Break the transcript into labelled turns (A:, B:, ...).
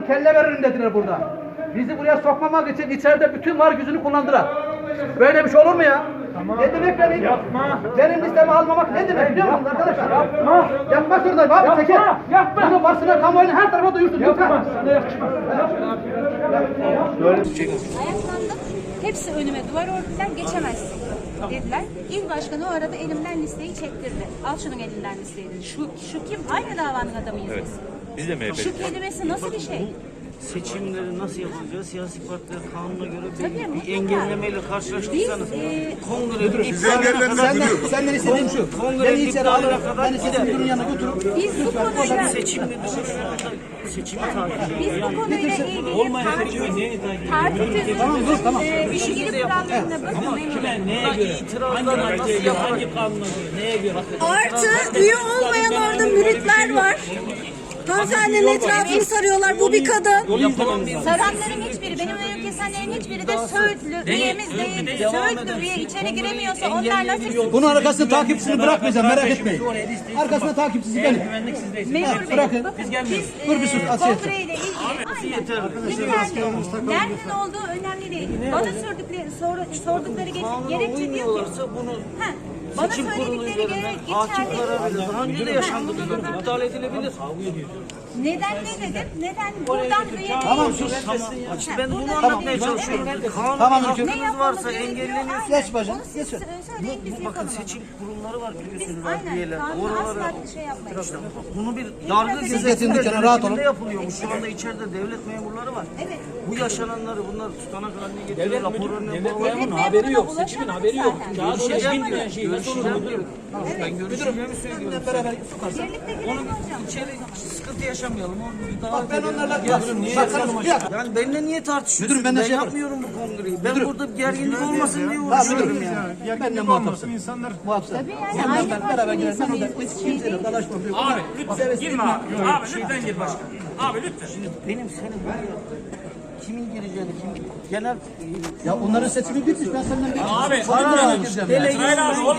A: kelle veririm dediler burada. Bizi buraya sokmamak için içeride bütün var gücünü kullandılar. Böyle bir şey olur mu ya? Tamam. Ne demek benim? Yapma. Benim listemi almamak ne demek biliyor musunuz arkadaşlar? Yapma. Yapmak zorundayım abi. Yapma. Çekil. Yapma. Bunu basına, kamuoyuna her tarafa duyursun. Yapma. Sana yakışma.
B: Ayaklandım. Hepsi önüme duvar ördüler. Geçemezsin dediler. İl başkanı o arada elimden listeyi çektirdi. Al şunun elinden listeyi dedi. Şu kim? Aynı davanın adamıyız biz.
C: Biz de MHP'liyiz.
B: Şu kelimesi nasıl bir şey?
D: Seçimleri nasıl yapılacak? Siyasi partiler kanuna göre
B: Tabii,
D: bir engellemeyle karşılaştıysanız kongre
A: Senden istediğim şu. Beni içeri alarak beni seçim müdürünün yanına götürüp
B: Biz bu konuyla
D: seçim müdürü şu anda seçimi takip ediyor.
B: biz bu konuyla ilgili parti
A: tamam.
B: ilgili kurallarına bakın.
D: Neye göre? İtirazlar nasıl yapılacak? Hangi kanuna göre? Neye göre?
E: Artı üye olmayan orada müritler var. Hanımefendinin etrafını sarıyorlar. Bu bir kadın.
B: Saranların hiçbiri, benim önüm kesenlerin hiçbiri de Söğütlü üyemiz değil. Söğütlü üye içeri giremiyorsa onlar nasıl?
A: bunun arkasında takipçisini bırakmayacağım, merak etmeyin. Arkasında takipçisi benim.
B: Memur Bey,
A: bırakın.
B: bakın
A: Dur bir sus, Asiye.
B: kongreyle ilgili yeterli. Nereden olduğu önemli değil. Bana sordukları gerekçe diyor ki, bana
D: Seçim kurulu
B: söyledikleri
D: üzerinden
B: gerekçe
D: hakim karar verir. Daha önce de yaşandı. İptal edilebilir.
B: neden ne dedim? Neden buradan üye
A: Tamam sus.
D: İşte ben bunu anlatmaya çalışıyorum. Kanun
A: Tamam,
D: hakkınız varsa engelleniyorsunuz.
A: Geç bacım, geç.
B: Söyleyin biz
D: Bakın
B: yapalım.
D: seçim kurulları var biliyorsunuz
B: Biz aynen
D: üyeler.
B: kanunu
D: Oralara
B: asla şey yapmayız.
D: bunu bir yargı
A: Siz getirin dükkanı, rahat olun.
D: yapılıyormuş. Şu anda içeride devlet memurları var.
B: Evet.
D: Bu yaşananları bunlar tutanak haline getiriyor. Raporlarını
B: Memurun haberi yok, seçimin haberi yok.
D: Kağıt bilmeyen şey nasıl olur? Ben görüşeceğimi söylüyorum.
B: Birlikte girelim hocam.
D: İçeri sıkıntı yaşamayalım. Daha
A: Bak ben onlarla
D: yani benimle niye tartışıyorsun?
A: Müdürüm, ben de
D: ben
A: şey
D: yapmıyorum bu kongreyi. Ben burada bir gerginlik olmasın diye uğraşıyorum yani.
A: Benimle muhatapsın. Muhatapsın.
B: Tabii yani aynı
A: Beraber girelim. Ben
B: partinin
A: orada
B: insanıyız.
A: hiç kimseyle dalaşmam.
F: Abi lütfen girme abi. Abi lütfen gir başkan. Abi lütfen.
D: Benim senin buraya kimin gireceğini, genel
A: Ya onların seçimi bitmiş. Ben senden bir
F: Abi,
A: sorunlara gireceğim.
F: İsmail abi